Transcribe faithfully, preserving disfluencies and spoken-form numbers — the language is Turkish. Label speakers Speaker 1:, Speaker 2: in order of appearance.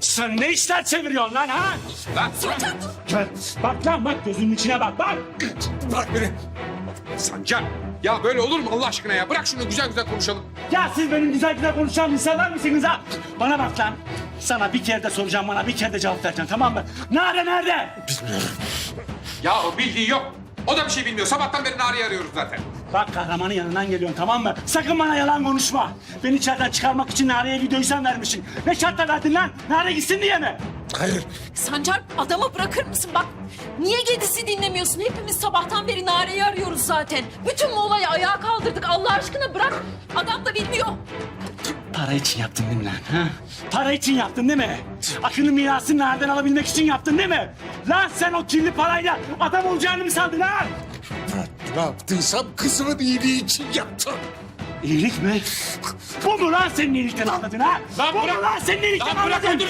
Speaker 1: Sen ne işler çeviriyorsun lan ha?
Speaker 2: Lan
Speaker 1: Gel, bak lan bak gözünün içine bak bak.
Speaker 2: bırak beni. Sancar. Ya böyle olur mu Allah aşkına ya? Bırak şunu güzel güzel konuşalım.
Speaker 1: Ya siz benim güzel güzel konuşan insanlar mısınız ha? Bana bak lan. Sana bir kere de soracağım, bana bir kere de cevap vereceksin, tamam mı? Nerede nerede?
Speaker 2: Ya o bildiği yok. O da bir şey bilmiyor. Sabahtan beri Nare'yi arıyoruz zaten.
Speaker 1: Bak kahramanın yanından geliyorsun, tamam mı? Sakın bana yalan konuşma. Beni içeriden çıkarmak için Nare'ye videoyu sen vermişsin. Ne şartla verdin lan? Nare gitsin diye mi?
Speaker 2: Hayır.
Speaker 3: Sancar adamı bırakır mısın bak? Niye Gedis'i dinlemiyorsun? Hepimiz sabahtan beri Nare'yi arıyoruz zaten. Bütün bu olayı ayağa kaldırdık. Allah aşkına bırak. Adam da bilmiyor.
Speaker 1: Para için yaptın değil mi lan? Ha? Para için yaptın değil mi? Akın'ın mirasını nereden alabilmek için yaptın değil mi? Lan sen o kirli parayla adam olacağını mı sandın ha?
Speaker 4: Ne yaptıysam kızımın iyiliği için yaptım.
Speaker 1: İyilik mi? Bu mu lan senin iyilikten anladın ha?
Speaker 2: Lan
Speaker 1: Bu
Speaker 2: bırak-
Speaker 1: mu lan senin iyilikten
Speaker 2: Lan bırak
Speaker 1: anladın?